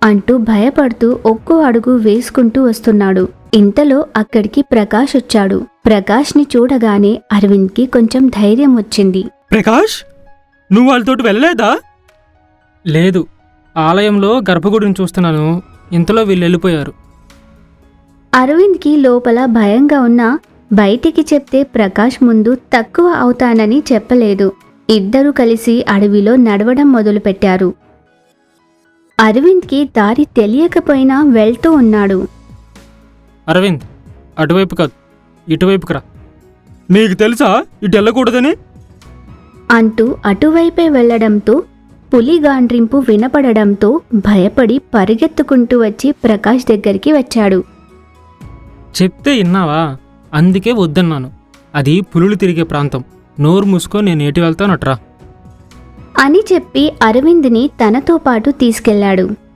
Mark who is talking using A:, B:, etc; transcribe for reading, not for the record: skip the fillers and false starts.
A: అంటూ భయపడుతూ ఒక్కో అడుగు వేసుకుంటూ వస్తున్నాడు. ఇంతలో అక్కడికి ప్రకాష్ వచ్చాడు. ప్రకాష్ని చూడగానే అరవింద్కి కొంచెం ధైర్యం వచ్చింది.
B: ప్రకాష్, నువ్వు వాళ్ళతోటి వెళ్ళలేదా?
C: లేదు, ఆలయంలో గర్భగుడిని చూస్తున్నాను. ఇంతలో వీళ్ళు వెళ్ళిపోయారు.
A: అరవింద్కి లోపల భయంగా ఉన్నా బయటికి చెప్తే ప్రకాష్ ముందు తక్కువ అవుతానని చెప్పలేదు. ఇద్దరూ కలిసి అడవిలో నడవడం మొదలుపెట్టారు. అరవింద్కి దారి తెలియకపోయినా వెళ్తూ ఉన్నాడు.
C: అరవింద్, అటువైపు కాదు, ఇటువైపుకి రా.
B: నీకు తెలుసా ఇటు వెళ్ళకూడదని?
A: అంటూ అటువైపే వెళ్లడంతో పులి గాండ్రింపు వినపడడంతో భయపడి పరిగెత్తుకుంటూ వచ్చి ప్రకాష్ దగ్గరికి వచ్చాడు.
C: చెప్తే విన్నావా? అందుకే వద్దన్నాను. అది పులులు తిరిగే ప్రాంతం. నోరు మూసుకో, నేను ఎటు వెళ్తానట్రా.
A: అని చెప్పి అరవింద్ని తనతో పాటు తీసుకెళ్లాడు.